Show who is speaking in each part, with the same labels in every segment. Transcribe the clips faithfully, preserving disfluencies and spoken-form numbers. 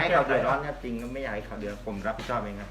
Speaker 1: ให้เขาเดือดร้อนจริงก็ไม่อยากให้เขาเดือดผมรับผิดชอบเองครับ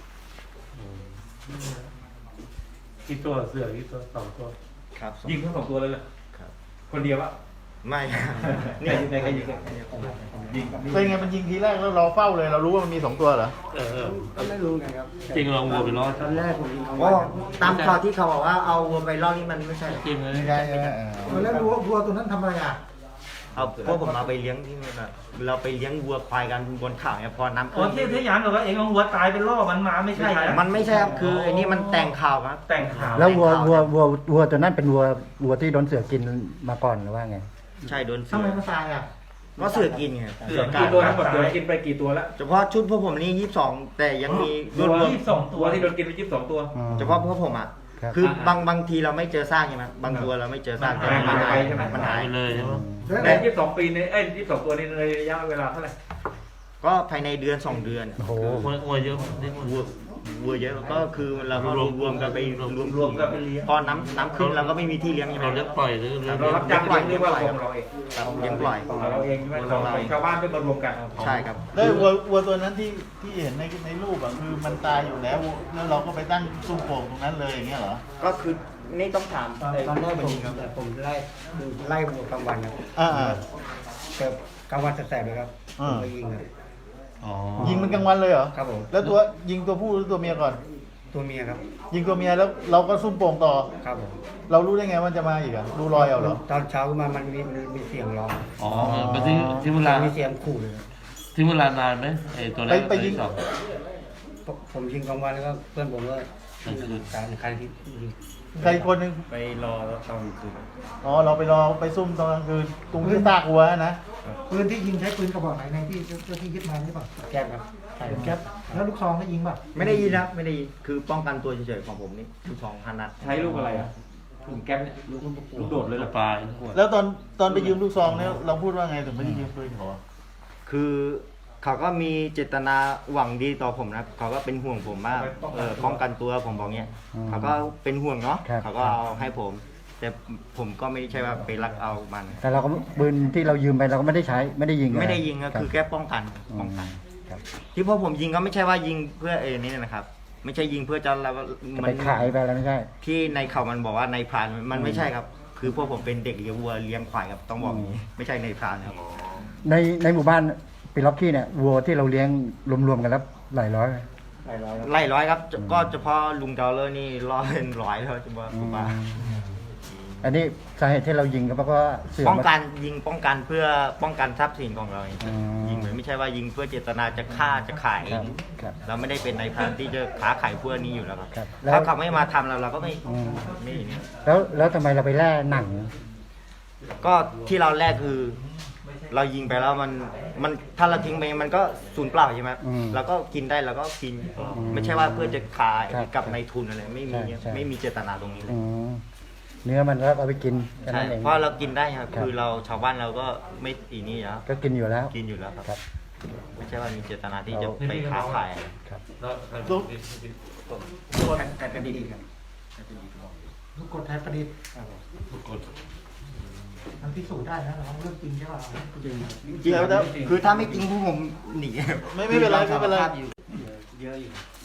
Speaker 2: กี่ตัวเสือกี่ตัวสองตัว
Speaker 1: ครับ
Speaker 3: ยิงทั้งสองตัวเลยเลย
Speaker 1: ครับ
Speaker 3: คนเดียวอะ
Speaker 1: ไม่ครับ
Speaker 3: นี่ยิงใครยิงยิง
Speaker 4: เป็นไงมันยิงทีแรกแล้วเราเฝ้าเลยเรารู้ว่ามันมีสองตัวเหรอ
Speaker 2: เออเออ
Speaker 5: ก็ไม่รู้ไงครับ
Speaker 2: จริงลองวัวไปล้อ
Speaker 5: ตอนแรกผมยิงเขา
Speaker 1: โอ้ตามข่าวที่เขาบอกว่าเอาวัวไปล่อนี่มันไม่ใช่
Speaker 2: จริงเลย
Speaker 4: ไม่ใช่ใช่ไหมเออ
Speaker 5: ตอนแรกรู้ว่าวัวตัวนั้นทำอะไรอ่ะ
Speaker 1: เอาพวกผมเอาไปเลี้ยงที่นู่นอะเราไปเลี้ยงวัวควายกันบนเขาเนี่ยพอน้ำ
Speaker 3: อ๋อ
Speaker 1: ขึ้น
Speaker 3: ที่ที่ยามบอกว่าเองเอาหัวตายเป็นล่อมันมาไม่ใช่
Speaker 1: มันไม่ใช่ครับคือไอ้นี่มันแต่งข่าวครับ
Speaker 3: แต่งข่าว
Speaker 6: แล้ววัววัววัววัวตัวนั้นเป็นวัววัวที่โดนเสือกินมาก่อนหรือว่าไง
Speaker 1: ใช่โดนเสื
Speaker 5: ทำไม
Speaker 1: อ
Speaker 5: มันตายอ่ะ
Speaker 1: ก็เสือกินไง
Speaker 3: เสือกี่ตัวทั้งหมดโดนกินไปกี่ตัวแล้ว
Speaker 1: เฉพาะชุดพวกผมนี่ยี่สิบสองแต่ยังมีร
Speaker 3: ตัว
Speaker 1: วม
Speaker 3: ยี่สิบสองตัวที่โดนกินไปยี่สิบสองตัว
Speaker 1: เฉพาะพวกผมอ่ะ
Speaker 6: ครับ
Speaker 1: คือบางบางทีเราไม่เจอซากใช่ไหมบางตัวเราไม่เจอซากแต่มันหายมันหาย
Speaker 2: ไปเลยใช่ไหม
Speaker 3: ในยี่สิบสองปีในเอ้ยยี่สิบสองตัวนี้ในระยะเวลาเท่าไหร่
Speaker 1: ก็ภายในเดือนสองเดือน
Speaker 6: โอ้โห
Speaker 2: วัววัวเยอะนี่วั
Speaker 1: วั
Speaker 2: ว
Speaker 1: ววัวเยอะก็คือเราก็รวมรวมกันไปรวม
Speaker 3: รวมกันไปเลี้ยง
Speaker 1: พอน้ำน้ำขึ้นเราก็ไม่มีที่เลี้ยงใช่ไหม
Speaker 2: เราเลี้ยงปล่อยหรือ
Speaker 3: เรารับจ้างเลี้ยงหรือว่าของเราเอง
Speaker 1: ครับเลี้ยงปล่อย
Speaker 3: ของเราเองใช่ไหมของของชาวบ้านไปมารวมกัน
Speaker 1: ใช่ครับ
Speaker 4: แล้ววัววัวตัวนั้นที่ที่เห็นในในรูปอ่ะคือมันตายอยู่แล้วแล้วเราก็ไปตั้งซุ้มโป่งตรงนั้นเลยอย่างเงี้ยเหรอ
Speaker 1: ก็คือนี่ต้องถาม
Speaker 5: ตอนตอนแรกผมแต่ผมไล่คือไล่วัวกลางวันครับ
Speaker 4: อ่าอ่า
Speaker 5: แต่กลางวันแสบๆเลยครับ
Speaker 4: อ่า
Speaker 5: ผมไปยิงครับ
Speaker 2: อ๋อ
Speaker 4: ยิงมันกลางวันเลยเหรอ
Speaker 5: ครับผม
Speaker 4: แล้วตัวยิงตัวผู้หรือตัวเมียก่อน
Speaker 5: ตัวเมียครับ
Speaker 4: ยิงตัวเมียแล้วเราก็ซุ่มโป่งต่อ
Speaker 5: ครับผม
Speaker 4: เรารู้ได้ไงว่าจะมาอีกอ่ะดูรอยเอาเหรอ
Speaker 5: ตอนเช้าขึ้นมามันมีมันมีเสียงร้อง
Speaker 2: อ๋อไปที่ที่เวลา
Speaker 5: มีเสียงขู่เลยครับ
Speaker 2: ที่เวลานานไหมไอ้ตัวแร
Speaker 4: ไป
Speaker 2: ก
Speaker 4: ไปยิง
Speaker 2: ตัวที่สอง
Speaker 5: ผมผมยิงกลางวันแล้วก็เพื่อนผมก็
Speaker 2: กลางคืน
Speaker 5: การใครที่ยิง
Speaker 4: ใครอีกคนหนึง
Speaker 1: ไปรอตอนคืน
Speaker 4: อ๋อเราไปรอไปซุ่มตอนกลางคืนตรงที่ซากวัวนะ
Speaker 7: ปืนที่ยิงใช้ปืนกระบอกไหนในที่เจ้าที่ยึดมาหรือเปล่า
Speaker 5: แก้มครับใช่
Speaker 7: เป็นแก๊ปแล้วลูกซองก็ยิงป่ะ
Speaker 1: ไม่ได้ยินนะไม่ได้ยินคือป้องกันตัวเฉยๆของผมนี่คือสองพันนัด
Speaker 3: ใช้ลูกอะไรอ่ะลูกแก๊ปเนี่ยลูกลูกโดดเลยเหร
Speaker 2: ตั
Speaker 3: อ
Speaker 2: วปลาย
Speaker 4: แล้วตอนตอนไปยืมลูกซองเนี่ยเราพูดว่าไงถึงไม่ได้ยืมปืนเขาอะ
Speaker 1: คือเขาก็มีเจตนาหวังดีต่อผมนะเขาก็เป็นห่วงผมมากเออป้องกันตัวผมบอกเนี้ยเขาก็เป็นห่วงเนาะเขาก็เอาให้ผม แต่ผมก็ไม่ใช่ว่าไปรักเอามัน
Speaker 6: แต่เราก็ปืนที่เรายืมไปเราก็ไม่ได้ใช้ไม่ได้ยิง
Speaker 1: ไม่ได้ยิงก็
Speaker 6: รับ
Speaker 1: คือแค่ป้องกันป้องกัน
Speaker 6: ครับ
Speaker 1: ที่พวกผมยิงก็ไม่ใช่ว่ายิงเพื่อเอนี่นะครับ ไม่ใช่ยิงเพื่อจะเรา
Speaker 6: จะไปขายไปแล้วไม่ใช่
Speaker 1: ที่ในเขามันบอกว่าในพรานมันไม่ใช่ครับ คือพวกผมเป็นเด็กเลี้ยงวัวเลี้ยงควายครับต้องบอกอย่างนี้ไม่ใช่ในพรานครับ
Speaker 6: ในในหมู่บ้านปีล็อกกี้เนี่ยวัวที่เราเลี้ยงรวมๆกันแล้วหลายร้อยไหม
Speaker 5: หลายร้อยครับ
Speaker 1: ไล่ร้อยครับก็เฉพาะลุงเกาเลอร์นี่ร้อยเป็นร้อยแล้วเฉพาะผมว่า
Speaker 6: อันนี้สาเหตุที่เรายิงก็เพราะว่าเสือ
Speaker 1: ป้อง
Speaker 6: มา
Speaker 1: กันยิงป้องกันเพื่อป้องกันทรัพย์สินของเราเอง
Speaker 6: อืม
Speaker 1: ยิงเหมือนไม่ใช่ว่ายิงเพื่อเจตนาจะฆ่าจะขาย
Speaker 6: ครับครับ
Speaker 1: เราไม่ได้เป็นในายพรานที่จะค้าขายพวกนี้อยู่แล้วครับ
Speaker 6: ครับแล้ว
Speaker 1: ถ้าเขาไม่มาทำเราเราก็ไม่
Speaker 6: อืม
Speaker 1: ไม่นี่
Speaker 6: แล้วแล้วทำไมเราไปแล่หนัง
Speaker 1: ก็ที่เราแรกคือ เรายิงไปแล้วมันมันถ้าเราทิ้งไปมันก็สูญเปล่าใช่ไหม
Speaker 6: อืม
Speaker 1: เราก็กินได้เราก็กิน
Speaker 6: อืม
Speaker 1: ไม่ใช่ว่าเพื่อจะขาย
Speaker 6: ครับ
Speaker 1: กับนายทุนอะไรไม่มี
Speaker 6: ใช่ใช่
Speaker 1: ไม่มีเจตนาตรงนี้เลย
Speaker 6: อืมเนื้อมันแล้วเอาไปกินแค่
Speaker 1: ใช่
Speaker 6: นั้นเอง
Speaker 1: เพราะเรากินได้ครับ
Speaker 6: ครับ
Speaker 1: คือเราชาวบ้านเราก็ไม่อีนี่แล้ว
Speaker 6: ก็กินอยู่แล้ว
Speaker 1: กินอยู่แล้วครับ
Speaker 6: ครับ
Speaker 1: ไม่ใช่ว่ามีเจตนาที่จะ
Speaker 6: เรา
Speaker 1: ไปค้าขาย
Speaker 6: ครับ
Speaker 2: แล้ว
Speaker 5: ไทยประดิษฐ์ครับ
Speaker 7: ลูกกดไทยประดิษฐ์
Speaker 2: กด
Speaker 7: มันพิสูจน์ได้นะเราเรื่องจริงใช่ป่ะ
Speaker 1: จริงครับคือถ้าไม่จริงพวกผมหนี
Speaker 4: ไม่ไม่เป็นไรไม่เป็นไร
Speaker 5: เยอะอยู่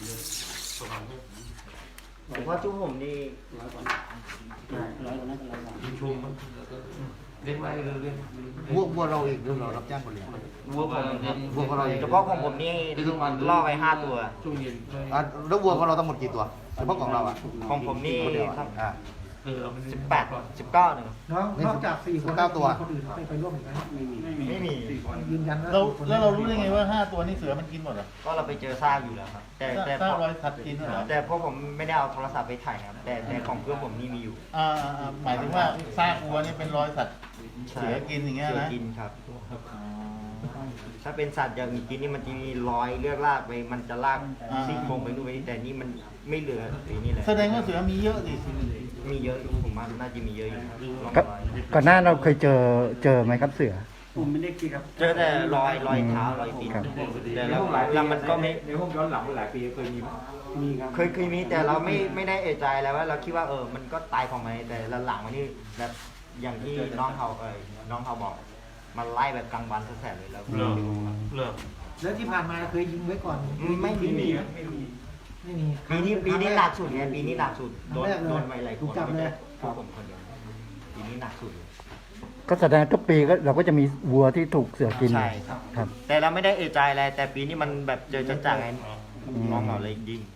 Speaker 1: ผมว่าทุกผมนี่
Speaker 5: ร้อยกว่าร้อยกว่านั้นก็ร้อยกว่า
Speaker 2: ยิงชุมเลี้ยงไว้เลี้ยง
Speaker 4: วัววัวเราเองหรือเรารับจ้างคนเลี้ยง
Speaker 1: วัวผม
Speaker 4: วัวของเราเอง
Speaker 1: เฉพาะของผมนี่ล่อไปห้าตัว
Speaker 2: ช่วงเย็น
Speaker 4: อ่ะแล้ววัวของเราทั้งหมดกี่ตัวเฉพาะของเราอ่ะ
Speaker 1: ของผมนี่
Speaker 4: คนเดียวอ่ะอ่ะ
Speaker 2: เออเอาไป
Speaker 1: สิบแปดสิบเก้าหนึ่ง
Speaker 7: น้องนอกจากสี่คน
Speaker 4: เก้าตัว
Speaker 7: คนอื่นไปไปร่วมอีกไหม
Speaker 5: ไม่มี
Speaker 1: ไม่มี
Speaker 7: ยืนยันว่า
Speaker 4: เราแล้วเรารู้ได้ไงว่าห้าตัวนี่เสือมันกินหมดเหรอ
Speaker 1: ก็เราไปเจอซากอยู่แล้วครับ แต่แต่
Speaker 4: ซากรอยสัตว์กินเหรอ
Speaker 1: แต่พวกผมไม่ได้เอาโทรศัพท์ไปถ่ายครับ แต่แต่ของเพื่อนผมนี่มีอยู่
Speaker 4: อ่าอ่าอ่าหมายถึงว่าซากวัวนี่เป็นรอยสัตว์เสือกินอย่างเงี้ย
Speaker 1: เสือ
Speaker 4: นะ
Speaker 1: กินครับ
Speaker 4: อ๋อ
Speaker 1: ถ้าเป็นสัตว์อย่างกินนี่มันจะมีรอยเลือดลากไป มันจะลาก
Speaker 4: อ่า
Speaker 1: ซี่โครงไปนู่นไปนี่แต่นี่มันไม่เหลือไอ้นี่เลย
Speaker 4: แสดงว่าเสือมีเยอะดิ
Speaker 1: มีเยอะอยู่ผมว่าน่าจะมีเยอะอยู่ร่อง
Speaker 6: ก็
Speaker 1: รอย
Speaker 6: ก่อนหน้าเราเคยเจอเจอไหมครับเสือ
Speaker 5: ผมไม่ได้กินครับ
Speaker 1: เจอแต่รอยรอยเท้ารอยตีน
Speaker 6: ครับ
Speaker 1: แต่แล้วแล้วมันก็ไม่
Speaker 3: ในห้องย้อนหลังหลายปีเคยมีไหม
Speaker 5: มีครับ
Speaker 1: เคยเคยมีแต่เราไม่ไม่ได้เอะใจอะไรว่าเราคิดว่าเออมันก็ตายของมันแต่หลังๆวันนี้แบบอย่างที่น้องเขาเออน้องเขาบอกมาไล่แบบกลางวันแสบๆเลยแล้ว
Speaker 2: เลิกเลิก
Speaker 7: แล้วที่ผ่านมาเคยยิงไว้ก่อน
Speaker 1: อืมไม่มี
Speaker 2: ไม่มีไม่มี
Speaker 7: ไม่มี
Speaker 1: ปีนี้ปีนี้หนักสุดไงปีนี้หนักสุดโดน
Speaker 7: ครั้งแรกเลย
Speaker 1: โดนไปหลายค
Speaker 7: ถู
Speaker 1: น
Speaker 7: กจับเลย
Speaker 1: พวกผมคนเดียวปีนี้หนักสุดเลย
Speaker 6: ก็แสดงทุกปีก็เราก็จะมีวัวที่ถูกเสือกิน
Speaker 1: ใช่ครับ
Speaker 6: ครับ
Speaker 1: แต่เราไม่ได้เอะใจอะไรแต่ปีนี้มันแบบเจอจัดๆไงน้องเราเลยยิง